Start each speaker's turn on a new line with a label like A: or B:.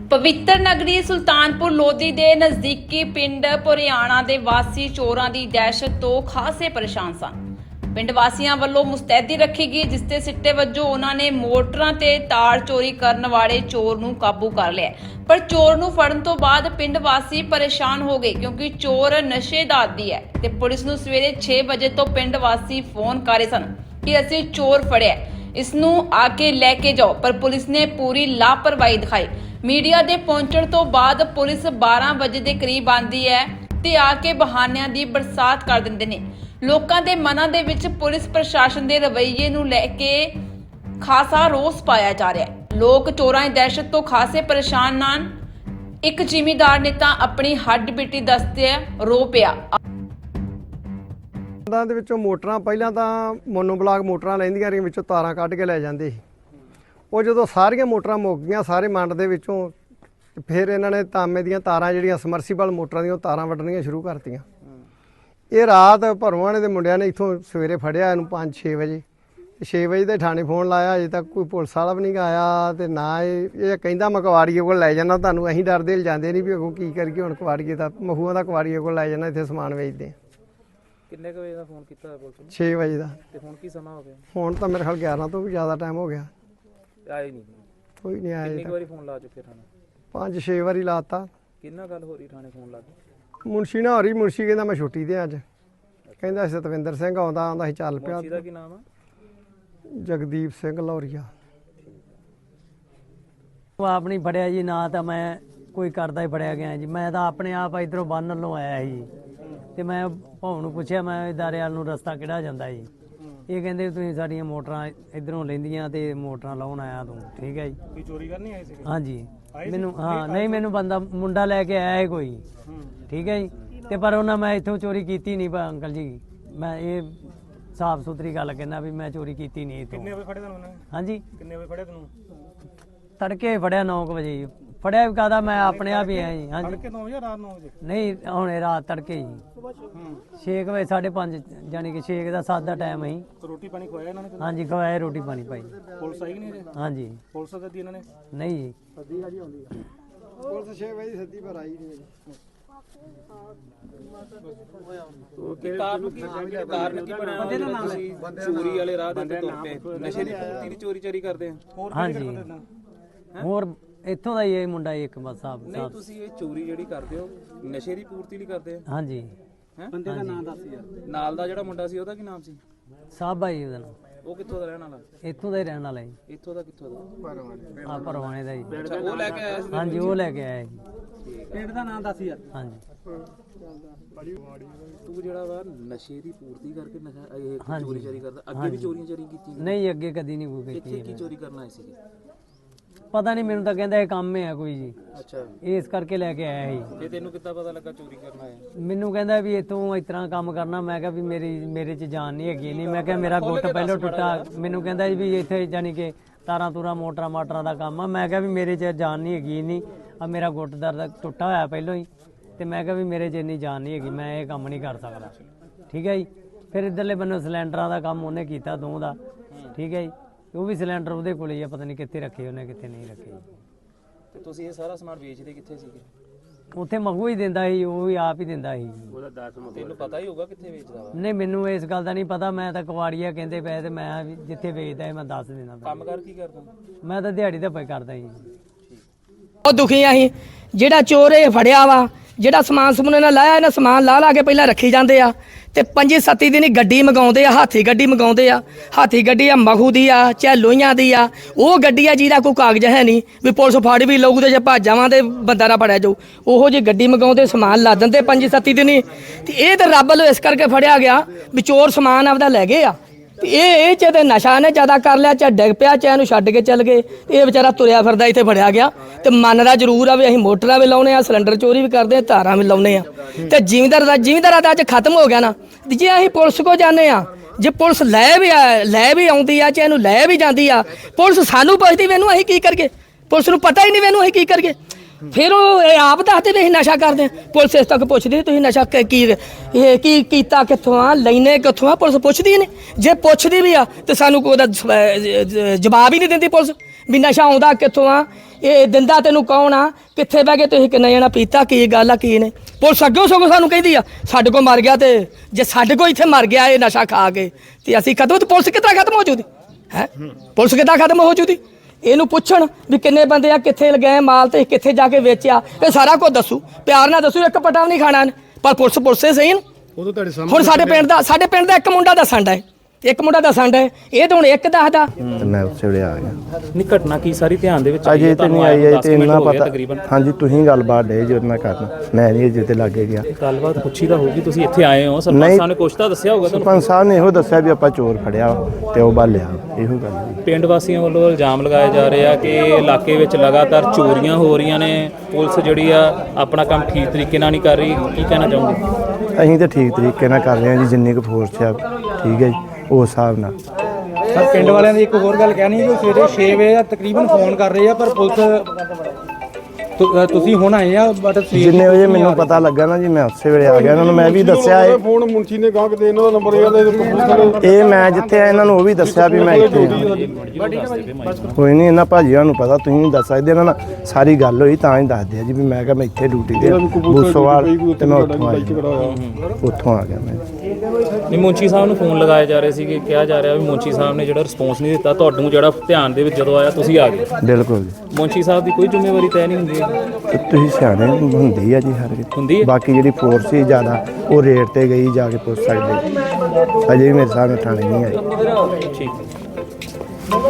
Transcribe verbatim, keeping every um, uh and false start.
A: ਪਵਿੱਤਰ ਨਗਰੀ ਸੁਲਤਾਨਪੁਰ ਲੋਧੀ ਦੇ ਨਜ਼ਦੀਕੀ ਪਿੰਡ ਪੁਰਿਆਣਾ ਦੇ ਵਾਸੀ ਚੋਰਾਂ ਦੀ ਦਹਿਸ਼ਤ ਤੋਂ ਖਾਸੇ ਪਰੇਸ਼ਾਨ ਸਨ। ਪਿੰਡ ਵਾਸੀਆਂ ਵੱਲੋਂ ਮੁਸਤੈਦੀ ਰੱਖੀ ਗਈ, ਜਿਸ ਤੇ ਸਿੱਟੇ ਵਜੋਂ ਉਹਨਾਂ ਨੇ ਮੋਟਰਾਂ ਤੇ ਤਾਰ ਚੋਰੀ ਕਰਨ ਵਾਲੇ ਚੋਰ ਨੂੰ ਕਾਬੂ ਕਰ ਲਿਆ। ਪਰ ਚੋਰ ਨੂੰ ਫੜਨ ਤੋਂ ਬਾਅਦ ਪਿੰਡ ਵਾਸੀ ਪਰੇਸ਼ਾਨ ਹੋ ਗਏ, ਕਿਉਂਕਿ ਚੋਰ ਨਸ਼ੇ ਦਾ ਆਦੀ ਹੈ ਤੇ ਪੁਲਿਸ ਨੂੰ ਸਵੇਰੇ ਛੇ ਵਜੇ ਤੋਂ ਪਿੰਡ ਵਾਸੀ ਫੋਨ ਕਰ ਰਹੇ ਸਨ ਕਿ ਅਸੀਂ ਚੋਰ ਫੜਿਆ, ਇਸ ਨੂੰ ਆ ਕੇ ਲੈ ਕੇ ਜਾਓ। ਪਰ ਪੁਲਿਸ ਨੇ ਪੂਰੀ ਲਾਪਰਵਾਹੀ ਦਿਖਾਈ। ਮੀਡੀਆ ਦੇ ਪਹੁੰਚਣ ਤੋਂ ਬਾਅਦ ਪੁਲਿਸ ਬਾਰਾਂ ਵਜੇ ਦੇ ਕਰੀਬ ਆਂਦੀ ਹੈ ਤੇ ਆ ਕੇ ਬਹਾਨਿਆਂ ਦੀ ਬਰਸਾਤ ਕਰ ਦਿੰਦੇ ਨੇ। ਲੋਕਾਂ ਦੇ ਮਨਾਂ ਦੇ ਵਿੱਚ ਪੁਲਿਸ ਪ੍ਰਸ਼ਾਸਨ ਦੇ ਰਵੱਈਏ ਨੂੰ ਲੈ ਕੇ ਖਾਸਾ ਰੋਸ ਪਾਇਆ ਜਾ ਰਿਹਾ ਹੈ। ਲੋਕ ਚੋਰਾਂ ਦੀ ਦਹਿਸ਼ਤ ਤੋਂ ਖਾਸੇ ਪਰੇਸ਼ਾਨ ਹਨ। ਇੱਕ ਜ਼ਿਮੀਂਦਾਰ ਨੇ ਤਾਂ ਆਪਣੀ ਹੱਡ ਬੀਤੀ ਦੱਸਦੇ ਰੋ ਪਿਆ।
B: ਦੇ ਵਿੱਚੋਂ ਮੋਟਰਾਂ ਪਹਿਲਾਂ ਤਾਂ ਮੋਨੋਬਲਾਕ ਮੋਟਰਾਂ ਲੈਂਦੀਆਂ ਰਹੀਆਂ, ਵਿੱਚੋਂ ਤਾਰਾਂ ਕੱਢ ਕੇ ਲੈ ਜਾਂਦੇ ਸੀ। ਉਹ ਜਦੋਂ ਸਾਰੀਆਂ ਮੋਟਰਾਂ ਮੁੱਕ ਗਈਆਂ ਸਾਰੇ ਮੰਡ ਦੇ ਵਿੱਚੋਂ, ਫਿਰ ਇਹਨਾਂ ਨੇ ਤਾਂਬੇ ਦੀਆਂ ਤਾਰਾਂ ਜਿਹੜੀਆਂ ਸਮਰਸੀਬਲ ਮੋਟਰਾਂ ਦੀਆਂ ਤਾਰਾਂ ਵੱਢਣੀਆਂ ਸ਼ੁਰੂ ਕਰਤੀਆਂ। ਇਹ ਰਾਤ ਭਰਵਾਣੇ ਦੇ ਮੁੰਡਿਆਂ ਨੇ ਇੱਥੋਂ ਸਵੇਰੇ ਫੜਿਆ ਇਹਨੂੰ ਪੰਜ ਛੇ ਵਜੇ ਛੇ ਵਜੇ ਦੇ ਥਾਣੇ ਫੋਨ ਲਾਇਆ, ਅਜੇ ਤੱਕ ਕੋਈ ਪੁਲਿਸ ਵਾਲਾ ਵੀ ਨਹੀਂ ਆਇਆ ਤੇ ਨਾ ਇਹ ਇਹ ਕਹਿੰਦਾ ਮੈਂ ਕਵਾੜੀਏ ਕੋਲ ਲੈ ਜਾਣਾ ਤੁਹਾਨੂੰ। ਅਸੀਂ ਡਰਦੇ ਜਾਂਦੇ ਨਹੀਂ ਵੀ ਅੱਗੋਂ ਕੀ ਕਰੀਏ, ਹੁਣ ਕਵਾੜੀਏ ਦਾ ਮਹੂਆਂ ਦਾ ਕਵਾੜੀਏ ਕੋਲ ਲੈ ਜਾਣਾ, ਇੱਥੇ ਸਮਾਨ ਵੇਚਦੇ।
C: ਕਿੰਨੇ ਕੁ ਵਜੇ ਦਾ ਫੋਨ ਕੀਤਾ ਪੁਲਿਸ ਨੂੰ?
B: ਛੇ ਵਜੇ ਦਾ।
C: ਤੇ ਹੁਣ ਕੀ ਸਮਾਂ ਹੋ ਗਿਆ?
B: ਹੁਣ ਤਾਂ ਮੇਰੇ ਖਿਆਲ ਗਿਆਰਾਂ ਤੋਂ ਵੀ ਜ਼ਿਆਦਾ ਟਾਈਮ ਹੋ ਗਿਆ,
C: ਆਏ ਨਹੀਂ
B: ਕੋਈ ਨਹੀਂ ਆਇਆ।
C: ਕਿੰਨੀ ਵਾਰੀ ਫੋਨ ਲਾ ਚੁੱਕੇ ਥਾਣੇ?
B: ਪੰਜ ਛੇ ਵਾਰੀ ਲਾਤਾ।
C: ਕਿੰਨਾ ਗੱਲ ਹੋ ਰਹੀ ਥਾਣੇ ਫੋਨ ਲਾ ਕੇ?
B: ਮੁਨਸ਼ੀ ਨਾ ਹੋ ਰਹੀ, ਮੁਨਸ਼ੀ ਕਹਿੰਦਾ ਮੈਂ ਛੁੱਟੀ ਤੇ ਅੱਜ, ਕਹਿੰਦਾ ਸਤਵਿੰਦਰ ਸਿੰਘ ਆਉਂਦਾ ਆਉਂਦਾ ਸੀ ਚੱਲ ਪਿਆ।
C: ਮੁਨਸ਼ੀ ਦਾ ਕੀ ਨਾਮ ਆ?
B: ਜਗਦੀਪ ਸਿੰਘ ਲੌਰੀਆ।
D: ਉਹ ਆਪ ਨਹੀਂ ਫੜਿਆ ਜੀ, ਨਾ ਤਾਂ ਮੈਂ ਕੋਈ ਕਰਦਾ ਹੀ ਫੜਿਆ ਗਿਆ ਜੀ। ਮੈਂ ਤਾਂ ਆਪਣੇ ਆਪ ਇਧਰੋਂ ਬੰਨ ਵੱਲੋਂ ਆਇਆ ਸੀ ਤੇ ਮੈਂ ਭਾਉ ਨੂੰ ਪੁੱਛਿਆ ਮੈਂ ਇਦਾਰੇ ਵੱਲ ਨੂੰ ਰਸਤਾ ਕਿਹੜਾ ਜਾਂਦਾ ਜੀ। ਇਹ ਕਹਿੰਦੇ ਤੁਸੀਂ ਸਾਡੀਆਂ ਮੋਟਰਾਂ ਇਧਰੋਂ ਲੈਂਦੀਆਂ ਤੇ ਮੋਟਰਾਂ ਲਾਉਣ ਆਇਆ ਤੂੰ, ਠੀਕ ਹੈ ਜੀ।
C: ਕੋਈ ਚੋਰੀ ਕਰਨੀ ਆਏ ਸੀ?
D: ਹਾਂਜੀ ਮੈਨੂੰ, ਹਾਂ ਨਹੀਂ ਮੈਨੂੰ ਬੰਦਾ ਮੁੰਡਾ ਲੈ ਕੇ ਆਇਆ ਹੈ ਕੋਈ, ਠੀਕ ਹੈ ਜੀ। ਤੇ ਪਰ ਉਹਨਾਂ ਮੈਂ ਇੱਥੋਂ ਚੋਰੀ ਕੀਤੀ ਨਹੀਂ ਅੰਕਲ ਜੀ, ਮੈਂ ਇਹ ਸਾਫ ਸੁਥਰੀ ਗੱਲ ਕਹਿੰਦਾ ਵੀ ਮੈਂ ਚੋਰੀ ਕੀਤੀ ਨਹੀਂ ਇੱਥੋਂ।
C: ਕਿੰਨੇ ਵਜੇ ਫੜੇ ਤੁਹਾਨੂੰ ਉਹਨਾਂ ਨੇ?
D: ਹਾਂਜੀ
C: ਕਿੰਨੇ ਵਜੇ ਫੜੇ ਤੁਹਾਨੂੰ?
D: ਤੜਕੇ ਫੜਿਆ ਨੌ ਕੁ ਵਜੇ ਜੀ। ਫੜਿਆ ਵੀ ਕਾਹਦਾ, ਮੈਂ ਆਪਣੇ ਆਪ ਹੀ ਆਇਆ ਜੀ। ਹਾਂਜੀ
C: ਤੜਕੇ ਨੌ ਵਜੇ ਰਾਤ ਨੌ ਵਜੇ?
D: ਨਹੀਂ ਹੁਣ ਇਹ ਰਾਤ ਤੜਕੇ ਜੀ ਛੇ ਕੁ ਵਜੇ ਸਾਢੇ ਪੰਜ ਜਾਣੀ ਕਿ ਛੇ ਦਾ ਸੱਤ ਦਾ ਟਾਈਮ ਸੀ।
C: ਰੋਟੀ ਪਾਣੀ ਖਵਾਇਆ ਇਹਨਾਂ ਨੇ?
D: ਹਾਂਜੀ ਖਵਾਇਆ ਰੋਟੀ ਪਾਣੀ ਭਾਈ।
C: ਪੁਲਿਸ ਆਈ ਕਿ ਨਹੀਂ ਅਜੇ?
D: ਹਾਂਜੀ
C: ਪੁਲਿਸ ਸੱਦੀ ਇਹਨਾਂ ਨੇ?
D: ਨਹੀਂ ਜੀ
B: ਸੱਦੀ ਆ ਜੀ, ਆਉਂਦੀ ਆ ਪੁਲਿਸ ਛੇ ਵਜੇ ਸੱਦੀ ਪਰ ਆਈ ਨਹੀਂ।
C: ਕਾਰਨ ਕੀ ਕਾਰਨ ਕੀ ਬਣਿਆ ਤੁਸੀਂ ਚੋਰੀ ਵਾਲੇ ਰਾਹ ਦੇ ਉੱਤੇ ਤੁਰ ਪਏ? ਨਸ਼ੇ ਦੀ ਪੂਰਤੀ ਦੀ ਚੋਰੀ ਚੋਰੀ ਕਰਦੇ ਆ?
D: ਹਾਂਜੀ ਹੋਰ ਇੱਥੋਂ ਦਾ ਹੀ ਇਹ ਮੁੰਡਾ ਇੱਕ ਬਸ ਸਾਹਿਬ
C: ਨਹੀਂ, ਤੁਸੀਂ ਇਹ ਚੋਰੀ ਜਿਹੜੀ ਕਰਦੇ ਹੋ ਨਸ਼ੇ ਦੀ ਪੂਰਤੀ ਲਈ ਕਰਦੇ ਆ?
D: ਹਾਂਜੀ
C: ਹੈ ਬੰਦੇ ਦਾ ਨਾਮ ਦੱਸ ਯਾਰ। ਨਾਲ ਦਾ ਜਿਹੜਾ ਮੁੰਡਾ ਸੀ ਉਹਦਾ ਕੀ ਨਾਮ ਸੀ?
D: ਸਾਹਿਬ ਭਾਈ ਉਹਦਾ ਨਾਮ।
C: ਉਹ ਕਿੱਥੋਂ ਦਾ ਰਹਿਣ ਵਾਲਾ?
D: ਇੱਥੋਂ ਦਾ ਹੀ ਰਹਿਣ ਵਾਲਾ ਜੀ।
C: ਇੱਥੋਂ ਦਾ ਕਿੱਥੋਂ ਦਾ?
D: ਆ ਪਰਵਾਣੇ ਦਾ ਜੀ।
C: ਅੱਛਾ, ਉਹ ਲੈ ਕੇ ਆਇਆ ਸੀ?
D: ਹਾਂਜੀ ਉਹ ਲੈ ਕੇ ਆਇਆ ਜੀ।
C: ਪਿੰਡ ਦਾ ਨਾਮ ਦੱਸ ਯਾਰ।
D: ਹਾਂਜੀ
C: ਤੂੰ ਜਿਹੜਾ ਵਾ ਨਸ਼ੇ ਦੀ ਪੂਰਤੀ ਕਰਕੇ ਨਸ਼ਾ ਇਹ ਚੋਰੀ ਚੋਰੀ ਕਰਦਾ, ਅੱਗੇ ਵੀ ਚੋਰੀਆਂ ਚੋਰੀ ਕੀਤੀਆਂ?
D: ਨਹੀਂ ਅੱਗੇ ਕਦੀ ਨਹੀਂ ਕੋਈ
C: ਇੱਥੇ
D: ਕੀਤੀ।
C: ਕੀ ਚੋਰੀ ਕਰਨ ਆਏ ਸੀਗੇ?
D: ਪਤਾ ਨਹੀਂ, ਮੈਨੂੰ ਤਾਂ ਕਹਿੰਦਾ ਇਹ ਕੰਮ ਹੈ ਕੋਈ ਜੀ,
C: ਅੱਛਾ,
D: ਇਸ ਕਰਕੇ ਲੈ ਕੇ ਆਇਆ ਸੀ।
C: ਤੇ ਤੈਨੂੰ ਕਿੱਦਾਂ ਪਤਾ ਲੱਗਾ ਚੋਰੀ ਕਰਨ ਆਇਆ?
D: ਮੈਨੂੰ ਕਹਿੰਦਾ ਵੀ ਇਤੋਂ ਇਸ ਤਰ੍ਹਾਂ ਕੰਮ ਕਰਨਾ। ਮੈਂ ਕਿਹਾ ਵੀ ਮੇਰੀ ਮੇਰੇ 'ਚ ਜਾਨ ਨਹੀਂ ਹੈਗੀ ਨਹੀਂ। ਮੈਂ ਕਿਹਾ ਮੇਰਾ ਗੁੱਟ ਪਹਿਲਾਂ ਟੁੱਟਾ। ਮੈਨੂੰ ਕਹਿੰਦਾ ਵੀ ਇੱਥੇ ਜਾਨੀ ਕਿ ਤਾਰਾਂ ਤੂਰਾਂ ਮੋਟਰਾਂ ਮਾਟਰਾਂ ਦਾ ਕੰਮ ਆ। ਮੈਂ ਕਿਹਾ ਵੀ ਮੇਰੇ 'ਚ ਜਾਨ ਨਹੀਂ ਹੈਗੀ ਨਹੀਂ, ਆ ਮੇਰਾ ਗੁੱਟ ਦਰਦ ਟੁੱਟਾ ਹੋਇਆ ਪਹਿਲਾਂ ਹੀ। ਤੇ ਮੈਂ ਕਿਹਾ ਵੀ ਮੇਰੇ 'ਚ ਇੰਨੀ ਜਾਨ ਨਹੀਂ ਹੈਗੀ, ਮੈਂ ਇਹ ਕੰਮ ਨਹੀਂ ਕਰ ਸਕਦਾ, ਠੀਕ ਹੈ ਜੀ। ਫਿਰ ਇੱਧਰਲੇ ਬੰਨੇ ਸਿਲੰਡਰਾਂ ਦਾ ਕੰਮ ਉਹਨੇ ਕੀਤਾ ਦੋ ਦਾ, ਠੀਕ ਹੈ ਜੀ। ਉਹ ਵੀ ਸਿਲੰਡਰ ਉਹਦੇ ਕੋਲ ਹੀ ਆ, ਪਤਾ ਨਹੀਂ ਕਿੱਥੇ ਰੱਖੇ ਉਹਨੇ ਕਿੱਥੇ ਨਹੀਂ ਰੱਖੇ।
C: ਤੇ ਤੁਸੀਂ ਇਹ ਸਾਰਾ ਸਮਾਨ ਵੇਚਦੇ ਕਿੱਥੇ ਸੀਗੇ?
D: ਉੱਥੇ ਮਗੂ ਹੀ ਦਿੰਦਾ ਸੀ, ਉਹ ਵੀ ਆਪ ਹੀ ਦਿੰਦਾ ਸੀ।
C: ਤੈਨੂੰ ਪਤਾ ਹੀ ਹੋਊਗਾ ਕਿੱਥੇ ਵੇਚਦਾ ਵਾ?
D: ਨਹੀਂ ਮੈਨੂੰ ਇਸ ਗੱਲ ਦਾ ਨਹੀਂ ਪਤਾ, ਮੈਂ ਤਾਂ ਕਵਾੜੀਆ ਕਹਿੰਦੇ ਪਏ ਤੇ ਮੈਂ ਵੀ ਜਿੱਥੇ ਵੇਚਦਾ ਮੈਂ ਦੱਸ ਦੇਣਾ।
C: ਕੰਮ ਕਰ ਕੀ ਕਰਦਾ?
D: ਮੈਂ ਤਾਂ ਦਿਹਾੜੀ ਦਾ ਪਈ ਕਰਦਾ ਜੀ।
E: ਉਹ ਦੁਖੀ ਆ ਅਸੀਂ, ਜਿਹੜਾ ਚੋਰ ਇਹ ਫੜਿਆ ਵਾ, ਜਿਹੜਾ ਸਮਾਨ ਸਮੂਨ ਇਹਨਾਂ ਲਾਇਆ, ਇਹਨਾਂ ਸਮਾਨ ਲਾ ਲਾ ਕੇ ਪਹਿਲਾਂ ਰੱਖੀ ਜਾਂਦੇ ਆ ਤੇ ਪੰਜੀ ਸੱਤੀ ਦਿਨ ਗੱਡੀ ਮੰਗਾਉਂਦੇ ਆ, ਹਾਥੀ ਗੱਡੀ ਮੰਗਾਉਂਦੇ ਆ। ਹਾਥੀ ਗੱਡੀ ਆ ਮਖੂ ਦੀ ਆ ਚਾਹੇ ਲੋਹੀਆਂ ਦੀ ਆ, ਉਹ ਗੱਡੀ ਆ ਜਿਹਦਾ ਕੋਈ ਕਾਗਜ਼ ਹੈ ਨਹੀਂ ਵੀ ਪੁਲਿਸ ਫੜ ਵੀ ਲਊ ਤੇ ਜੇ ਭੱਜ ਜਾਵਾਂ ਤੇ ਬੰਦਾ ਨਾ ਫੜਿਆ ਜਾਊ। ਉਹੋ ਜਿਹੀ ਗੱਡੀ ਮੰਗਾਉਂਦੇ, ਸਮਾਨ ਲਾ ਦਿੰਦੇ ਪੰਜੀ ਸੱਤੀ ਦਿਨ। ਤੇ ਇਹ ਤਾਂ ਰੱਬ ਵੱਲੋਂ ਇਸ ਕਰਕੇ ਫੜਿਆ ਗਿਆ ਵੀ ਚੋਰ ਸਮਾਨ ਆਪਦਾ ਲੈ ਗਏ ਆ। ਤੇ ਇਹ ਇਹ 'ਚ ਤੇ ਨਸ਼ਾ ਨੇ ਜ਼ਿਆਦਾ ਕਰ ਲਿਆ, ਚਾਹੇ ਡਿੱਗ ਪਿਆ ਚਾਹੇ ਇਹਨੂੰ ਛੱਡ ਕੇ ਚੱਲ ਗਏ। ਇਹ ਵਿਚਾਰਾ ਤੁਰਿਆ ਫਿਰਦਾ ਇੱਥੇ ਫੜਿਆ ਗਿਆ। ਤੇ ਮੰਨਦਾ ਜ਼ਰੂਰ ਆ ਵੀ ਅਸੀਂ ਮੋਟਰਾਂ ਵੀ ਲਾਉਣੇ ਆ, ਸਿਲੰਡਰ ਚੋਰੀ ਵੀ ਕਰਦੇ ਆ, ਤਾਰਾਂ ਵੀ ਲਾਉਣੇ ਆ। ਤੇ ਜ਼ਿਮੀਂਦਾਰ ਦਾ ਜ਼ਿਮੀਂਦਾਰਾਂ ਦਾ ਅੱਜ ਖਤਮ ਹੋ ਗਿਆ ਨਾ। ਜੇ ਅਸੀਂ ਪੁਲਿਸ ਕੋ ਜਾਂਦੇ ਆ, ਜੇ ਪੁਲਿਸ ਲੈ ਵੀ ਆ ਲੈ ਵੀ ਆਉਂਦੀ ਆ ਚਾਹੇ ਇਹਨੂੰ ਲੈ ਵੀ ਜਾਂਦੀ ਆ, ਪੁਲਿਸ ਸਾਨੂੰ ਪੁੱਛਦੀ ਵੀ ਇਹਨੂੰ ਅਸੀਂ ਕੀ ਕਰੀਏ। ਪੁਲਿਸ ਨੂੰ ਪਤਾ ਹੀ ਨਹੀਂ ਵੀ ਇਹਨੂੰ ਅਸੀਂ ਕੀ ਕਰੀਏ। ਫਿਰ ਉਹ ਇਹ ਆਪ ਦੱਸਦੇ ਵੀ ਅਸੀਂ ਨਸ਼ਾ ਕਰਦੇ ਹਾਂ। ਪੁਲਿਸ ਇਸ ਤੱਕ ਪੁੱਛਦੀ ਨਹੀਂ ਤੁਸੀਂ ਨਸ਼ਾ ਕ- ਕੀ ਇਹ ਕੀ ਕੀਤਾ ਕਿੱਥੋਂ ਆ ਲੈਨੇ ਕਿੱਥੋਂ ਆ ਪੁਲਿਸ ਪੁੱਛਦੀ ਨਹੀਂ। ਜੇ ਪੁੱਛਦੀ ਵੀ ਆ ਤੇ ਸਾਨੂੰ ਕੋਈ ਉਹਦਾ ਜ- ਜ- ਜਵਾਬ ਹੀ ਨਹੀਂ ਦਿੰਦੀ ਪੁਲਿਸ ਵੀ ਨਸ਼ਾ ਆਉਂਦਾ ਕਿੱਥੋਂ ਆ ਇਹ ਦਿੰਦਾ ਤੈਨੂੰ ਕੌਣ ਆ ਕਿੱਥੇ ਬਹਿ ਕੇ ਤੁਸੀਂ ਕਿੰਨਾ ਜਣਾ ਪੀਤਾ ਕੀ ਗੱਲ ਆ ਕੀ ਨੇ। ਪੁਲਿਸ ਅੱਗੋਂ ਸਗੋਂ ਸਾਨੂੰ ਕਹਿੰਦੀ ਆ ਸਾਡੇ ਕੋਲ ਮਰ ਗਿਆ ਤੇ ਜੇ ਸਾਡੇ ਕੋਲ ਇੱਥੇ ਮਰ ਗਿਆ ਇਹ ਨਸ਼ਾ ਖਾ ਕੇ ਤੇ ਅਸੀਂ ਕਦੋਂ ਤੇ ਪੁਲਿਸ ਕਿੱਦਾਂ ਖਤਮ ਹੋ ਜੂਦੀ ਹੈ ਪੁਲਿਸ ਕਿੱਦਾਂ ਖਤਮ ਹੋ ਜੂਦੀ। ਇਹਨੂੰ ਪੁੱਛਣ ਵੀ ਕਿੰਨੇ ਬੰਦੇ ਆ ਕਿੱਥੇ ਲਗਾਏ ਮਾਲ ਤੇ ਕਿੱਥੇ ਜਾ ਕੇ ਵੇਚਿਆ ਇਹ ਸਾਰਾ ਕੁਝ ਦੱਸੂ ਪਿਆਰ ਨਾਲ ਦੱਸੂ ਇੱਕ ਪਟਾ ਵੀ ਨਹੀਂ ਖਾਣਾ ਇਹਨੇ। ਪਰ ਪੁਲਿਸ ਪੁਲਿਸੇ ਸਹੀ ਨਾ।
F: ਉਦੋਂ ਤੁਹਾਡੇ ਸਾਹਮਣੇ
E: ਹੁਣ ਸਾਡੇ ਪਿੰਡ ਦਾ ਸਾਡੇ ਪਿੰਡ ਦਾ ਇੱਕ ਮੁੰਡਾ ਦੱਸਣ ਦਾ ਇੱਕ ਮੁੰਡਾ ਦੱਸਣ ਦਾ ਇਹ ਤਾਂ ਹੁਣ ਇੱਕ ਦੱਸਦਾ
F: ਤੇ ਮੈਂ ਉਸੇ ਵੇਲੇ ਆ ਗਿਆ।
C: ਨਹੀਂ ਘਟਨਾ ਕੀ ਸਾਰੀ ਧਿਆਨ ਦੇ ਵਿੱਚ
F: ਅਜੇ ਤੇ ਨਹੀਂ ਆਈ ਅਜੇ ਤੇ ਇੰਨਾ ਪਤਾ
C: ਤਕਰੀਬਨ
F: ਹਾਂਜੀ ਤੁਸੀਂ ਗੱਲਬਾਤ ਡੇ ਜੋ ਮੈਂ ਕਰਨਾ ਮੈਂ ਨਹੀਂ ਅਜੇ ਤੇ ਲੱਗੇ ਗਿਆ।
C: ਗੱਲਬਾਤ ਪੁੱਛੀ ਤਾਂ ਹੋਊਗੀ ਤੁਸੀਂ ਇੱਥੇ ਆਏ ਹੋ ਸਰਪੰਚ
F: ਨਹੀਂ।
C: ਸਾਹਿਬ ਨੇ ਕੁਛ ਤਾਂ ਦੱਸਿਆ ਹੋਊਗਾ ਤੁਹਾਨੂੰ।
F: ਸਰਪੰਚ ਸਾਹਿਬ ਨੇ ਇਹੋ ਦੱਸਿਆ ਵੀ ਆਪਾਂ ਚੋਰ ਫੜਿਆ ਤੇ ਉਹ ਬਾਲਿਆ ਇਹੋ ਗੱਲ ਹੋਈ।
C: ਪਿੰਡ ਵਾਸੀਆਂ ਵੱਲੋਂ ਇਲਜ਼ਾਮ ਲਗਾਏ ਜਾ ਰਹੇ ਆ ਕਿ ਇਲਾਕੇ ਵਿੱਚ ਲਗਾਤਾਰ ਚੋਰੀਆਂ ਹੋ ਰਹੀਆਂ ਨੇ ਪੁਲਿਸ ਜਿਹੜੀ ਆ ਆਪਣਾ ਕੰਮ ਠੀਕ ਤਰੀਕੇ ਨਾਲ ਨਹੀਂ ਕਰ ਰਹੀ ਕੀ ਕਹਿਣਾ ਚਾਹੋਗੇ।
F: ਅਸੀਂ ਤਾਂ ਠੀਕ ਤਰੀਕੇ ਨਾਲ ਕਰ ਰਹੇ ਹਾਂ ਜੀ ਜਿੰਨੀ ਕੁ ਫੋਰਸ ਆ ਠੀਕ ਹੈ ਜੀ ਉਸ ਹਿਸਾਬ ਨਾਲ।
G: ਸਰ ਪਿੰਡ ਵਾਲਿਆਂ ਦੀ ਇੱਕ ਹੋਰ ਗੱਲ ਕਹਿਣੀ ਕਿ ਸਵੇਰੇ ਛੇ ਵਜੇ ਦਾ ਤਕਰੀਬਨ ਫੋਨ ਕਰ ਰਹੇ ਆ ਪਰ ਪੁਲਿਸ ਤੁ- ਅ, ਤੁਸੀਂ ਹੁਣ ਆਏ ਆ ਬਟ
F: ਜਿੰਨੇ ਵਜੇ ਮੈਨੂੰ ਪਤਾ ਲੱਗਾ ਨਾ ਜੀ ਮੈਂ ਉਸੇ ਵੇਲੇ ਆ ਗਿਆ ਇਹਨਾਂ ਨੂੰ ਮੈਂ ਵੀ ਦੱਸਿਆ ਇਹ
H: ਫੋਨ ਮੁੰਸ਼ੀ ਨੇ ਕਹਾ ਕਿ ਇਹਨਾਂ ਦਾ ਨੰਬਰ ਇਹਦਾ ਇਹਦੇ
F: ਇਹ ਮੈਂ ਜਿੱਥੇ ਆ ਇਹਨਾਂ ਨੂੰ ਉਹ ਵੀ ਦੱਸਿਆ ਵੀ ਮੈਂ ਇੱਥੇ ਆ। ਕੋਈ ਨਹੀਂ ਇਹਨਾਂ ਭਾਜੀਆਂ ਨੂੰ ਪਤਾ ਤੁਸੀਂ ਨਹੀਂ ਦੱਸ ਸਕਦੇ ਇਹਨਾਂ ਨਾਲ ਸਾਰੀ ਗੱਲ ਹੋਈ ਤਾਂ ਹੀ ਦੱਸਦੇ ਆ ਜੀ ਵੀ ਮੈਂ ਕਿਹਾ ਮੈਂ ਇੱਥੇ ਡਿਊਟੀ ਤੇ ਬੂਸੋਵਾਲ ਤੇ ਮੈਂ ਉੱਥੋਂ ਆ ਗਿਆ ਉੱਥੋਂ ਆ ਗਿਆ ਮੈਂ।
C: ਨਹੀਂ ਮੁੰਚੀ ਸਾਹਿਬ ਨੂੰ ਫੋਨ ਲਗਾਏ ਜਾ ਰਹੇ ਸੀਗੇ ਕਿਹਾ ਜਾ ਰਿਹਾ ਵੀ ਮੁੰਚੀ ਸਾਹਿਬ ਨੇ ਜਿਹੜਾ ਰਿਸਪੌਂਸ ਨਹੀਂ ਦਿੱਤਾ ਤੁਹਾਨੂੰ ਜਿਹੜਾ ਧਿਆਨ ਦੇ ਵਿੱਚ ਜਦੋਂ ਆਇਆ ਤੁਸੀਂ ਆ ਗਏ।
F: ਬਿਲਕੁਲ ਜੀ
C: ਮੁੰਚੀ ਸਾਹਿਬ ਦੀ ਕੋਈ ਜ਼ਿੰਮੇਵਾਰੀ ਤੈਅ ਨਹੀਂ ਹੁੰਦੀ
F: ਤੇ ਤੁਸੀਂ ਸਿਆਣੇ ਹੁੰਦੀ ਆ ਜੀ ਹਰ ਇੱਕ
C: ਹੁੰਦੀ ਹੈ।
F: ਬਾਕੀ ਜਿਹੜੀ ਫੋਰਸ ਸੀ ਜ਼ਿਆਦਾ ਉਹ ਰੇਟ ਤੇ ਗਈ ਜਾ ਕੇ ਪੁੱਛ ਸਕਦੇ ਅਜੇ ਵੀ ਮੇਰੇ ਸਾਹਮਣੇ ਠਾਣੇ ਨਹੀਂ ਆਈ।
C: ਠੀਕ